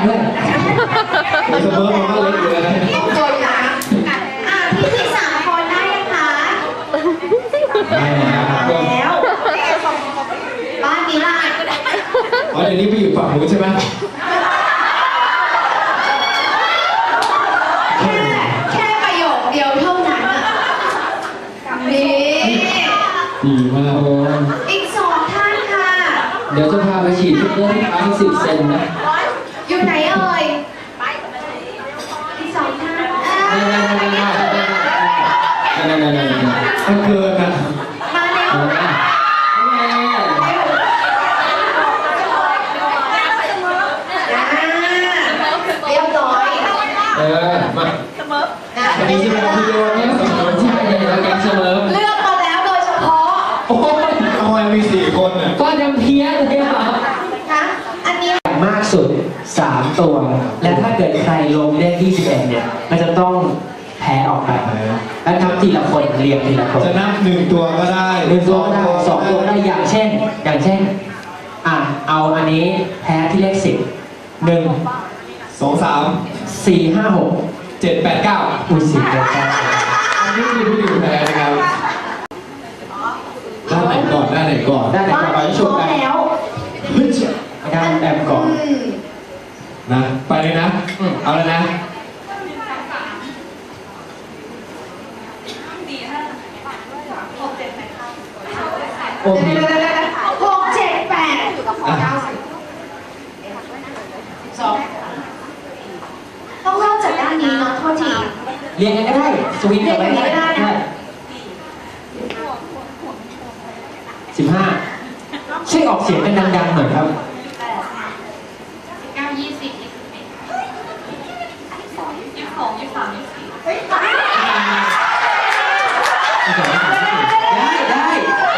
ด้วยเสมอมันก็เล็กอยู่นะตัวนะทีมที่3คนได้ยังคะได้แล้วบ้านนี้ล่ะอ๋อเดี๋ยวนี้ไปอยู่ฝั่งนู้นใช่ไหมแค่ประโยคเดียวเท่านั้นนี่ดีมากอีก2ท่านค่ะเดี๋ยวจะพาไปฉีดฟิลเลอร์ที่ทั้ง10 เซนนะอยู่ไหนเอ่ยอีก2ท่านถ้าเกินนะมาเร็วเรียบร้อยมาอันนี้ใช่ไหมครับพี่โยนเนี่ยใช่แล้วแกงเสมอเลือกมาแล้วโดยเฉพาะโอ้ยทำไมมี4 คนอ่ะก็ยังเพี้ยเลยครับนะอันนี้มากสุด3 ตัวและถ้าเกิดใครลงได้ที่11เนี่ยมันจะต้องแพ้ออกไปแล้วนับทีละคนเรียงทีละคนจะนับ1 ตัวก็ได้ 1 ตัวได้2 ตัวได้อย่างเช่นเอาอันนี้แพ้ที่เลข10 1 2 3 4 5 6 7 8 9 อุ้ย10แล้วอันนี้คือผู้อยู่แพ้นะครับด้านไหนก่อนได้ไหนก่อนไปชมกันแล้วด้านแอมก่อนนะไปเลยนะเอาเลยนะโอเค 6 7 8 2ต้องเริ่มจากด้านนี้เนาะโทษทีเรียนกันก็ได้สวิงกันไปได้15ช่วยออกเสียงกันดังๆหน่อยครับ 19 20 21 22 23 24 ได้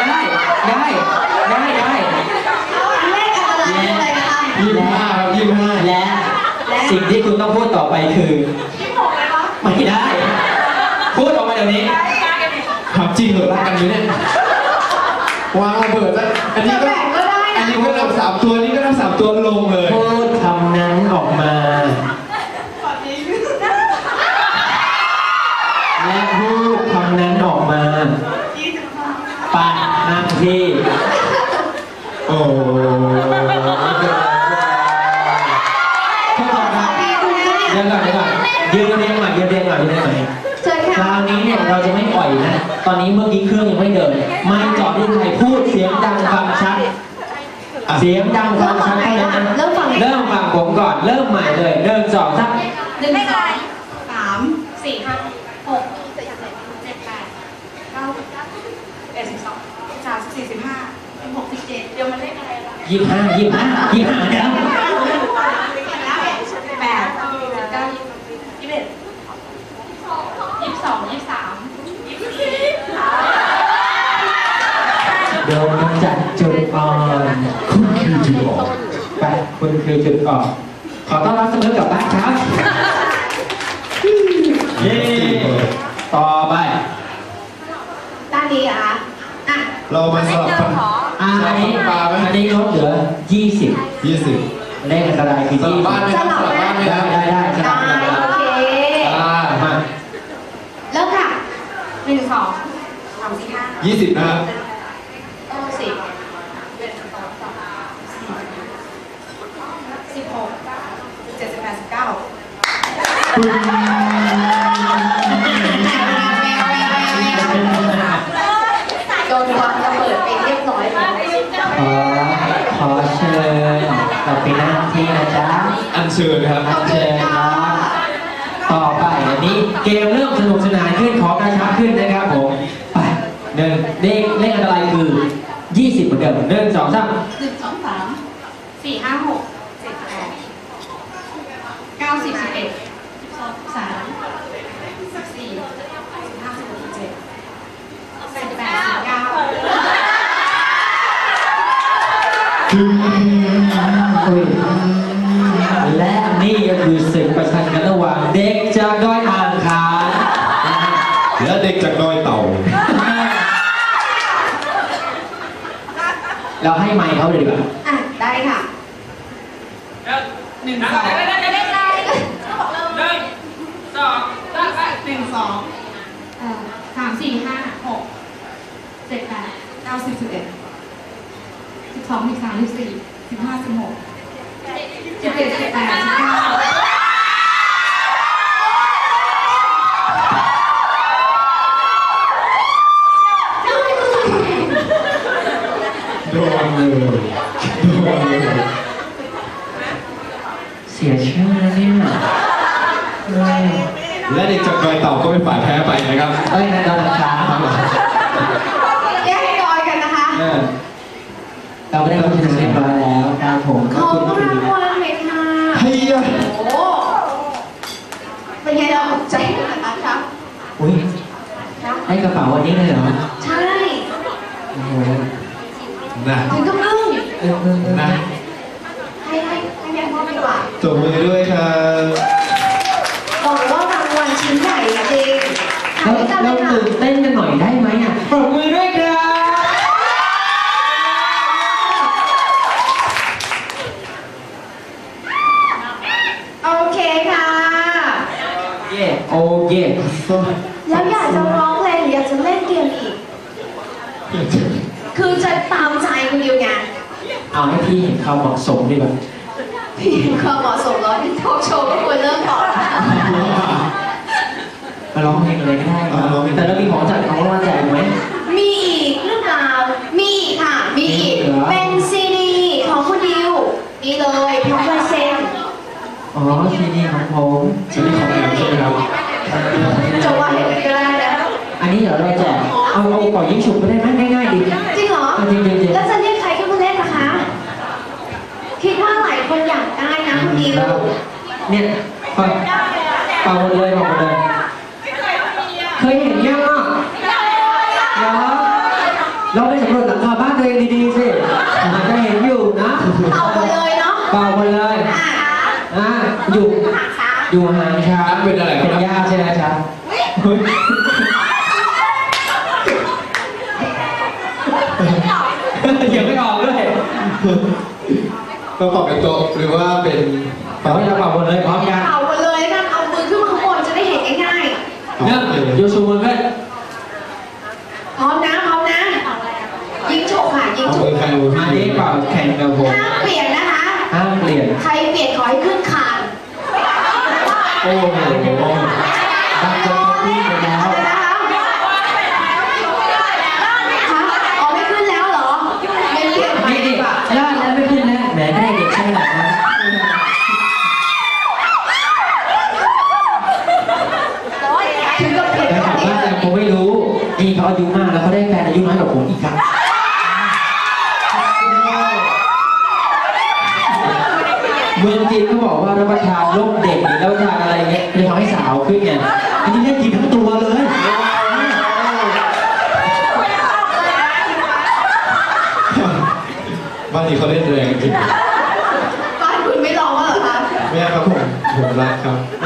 เลขอะไรนะคะ 25 และสิ่งที่คุณต้องพูดต่อไปคือไม่ได้พูดออกมาเดี๋ยวนี้ถามจริงเหรอรักกันอยู่เนี่ยวางระเบิดแล้วอันนี้ก็นับ3 ตัวนี้ก็นับ3 ตัวลงเลยพูดคำนั้นออกมาและพูดคำนั้นออกมาปะนั่งที่โอ้เดี๋ยวก่อนยืนเรียงใหม่คราวนี้เนี่ยเราจะไม่ปล่อยนะตอนนี้เมื่อกี้เครื่องยังไม่เดินไม่จอดที่ใครพูดเสียงดังฟังชัดเสียงดังฟังชัดให้นะเริ่มฟังผมก่อนเริ่มใหม่เลย1 2 3 1 2 3 4 5 6 7 8 9 10 11 12 13 14 15 16 17เดี๋ยวมันเลขอะไรล่ะ 25เนี่ย 8 19 21 22 23 โดนกำจัดจุดอ่อนคุณคือจุดอ่อนไปคุณคือจุดอ่อนขอต้อนรับเสมอกลับบ้านครับเย้ต่อไปด้านนี้อ่ะเรามาสลับกันอันนี้ลดเหลือ20เลขอะไรคือ20 บ้านไม่ต้องสลับบ้านไหมครับได้โอเคมาเริ่มค่ะ1 2 3 4 5 20นะครับ 10 16 17 18 19โดนวางระเบิดไปเรียบร้อยแล้วขอเชิญเราไปนั่งที่นะจ๊ะอัญเชิญครับอัญเชิญครับต่อไปอันนี้เกมเริ่มสนุกสนานขึ้นขอกระชับขึ้นนะครับผมไปเลขอะไรคือ20เหมือนเดิม1 2 3 1 2 3 4 5 6 7 8 9 10 11 12 13 14 15 16 17 18 และนี่ก็คือศึกประชันกันระหว่างเด็กจากดอยอ่างขางและเด็กจากดอยเต่าเราให้ไมค์เขาเลยดีกว่าได้ค่ะ1 2 โดนเลยโดนเลยเสียชื่อแล้วเนี่ยเอ้ยและเด็กจากดอยเต่าก็เป็นฝ่ายแพ้ไปนะครับเอ้ยนั่นเราช้าครับผมแยกให้ดอยกันนะคะเราไม่ได้รับชนะเรียบร้อยแล้วครับผมขขอบอคุณรางคุณวัลหน่อยค่ะเฮียโอ้โหเป็นไงเราใจขนาดนั้นครับอุ้ยครับให้กระเป๋าวันนี้เลยเหรอใช่โอ้โหนะถึงกับอึ้งนะให้แม่พ่อดีกว่าตบมือด้วยครับบอกว่ารางวัลชิ้นใหญ่จริงๆเราทำให้กันเลเรายค่ะตื่นเต้นกันหน่อยได้ไหมอ่ะปรบมือด้วยครับโอเคค่ะเย่โอเย่แล้วอยากจะร้องเพลงหรืออยากจะเล่นเกมอีก คือจะตามใจคุณดิวไงเอาให้พี่เห็นความเหมาะสมดีกว่าพี่ความเหมาะสมแล้วที่ทอล์กโชว์ก็ควรเริ่มก่อนนะมาร้องเพลงอะไรก็ได้ครับแต่เรามีของจัดของรางวัลแจกไหมมีอีกหรือเปล่ามีอีกค่ะ มีอีกมีเหรอเป็นซีดีของคุณดิวนี่เลยพร้อมลายเซ็นอ๋อซีดีของผมจะมีของแถมใช่ไหมครับจะว่าอย่างนั้นก็ได้นะอันนี้เดี๋ยวเราแจกเอาเป่ายิงฉุบไปได้ไหมง่ายๆดีจริงเหรอเอาจริงๆแล้วจะเรียกใครขึ้นมาเล่นนะคะ คิดว่าหลายคนอยากได้นะคุณดิวเนี่ยเป่าหมดเลยเป่าหมดเลยเคยเห็นยังอ่ะเหรอเราไปสำรวจหลังคาบ้านตัวเองดีๆสิอาจจะเห็นอยู่นะเอาไปเลยเนาะเป่าหมดเลยอ่ะอยู่หาช้าอยู่ห่างช้าเป็นอะไรคเป็นรับญาติใช่ไหมครับยังไม่ออกด้วยก็ปอกเป็นโต๊ะหรือว่าเป็นแต่ว่าจะเป่าหมดเลยพร้อมกันเอาไปเลยแล้วกันเอามือขึ้นมาข้างบนจะได้เห็นง่ายเริ่มโยชูมือขึ้นๆพร้อมนะพร้อมนะ ยิงฉกค่ะยิงเอาฉมืกอใครมือมาพี่นี้เป่าแข่งกับผมห้ามเปลี่ยนนะคะห้ามเปลี่ยนใครเปลี่ยนขอให้ขึ้นคานโอ้โหดังจนพี่ไปแล้วเอาเลยนะคะคะอ๋อไม่ขึ้นแล้วเหรอไม่เปลี่ยนใหม่นี่ดีดิกว่าลาดแล้วไม่ขึ้นแล้วแหมได้เด็กใช่ไหมนะถึงกับเปลี่ยนแต่รอบถามนี้ว่าเลแต่ยผมไม่รู้นี่เขาอายุมากแล้วเขาได้แฟนอายุน้อยกว่าผมอีกครับเมืองจีนเขาบอกว่ารับประทานโรคเด็กหรือรับประทานอะไรเงี้ยจะทำให้สาวขึ้นไงอันนี้ได้กินทั้งตัวเลยบ้านนี้เขาเล่นแรงจริงบ้านคุณไม่ร้องแล้วเหรอคะไม่ครับผมรักครับ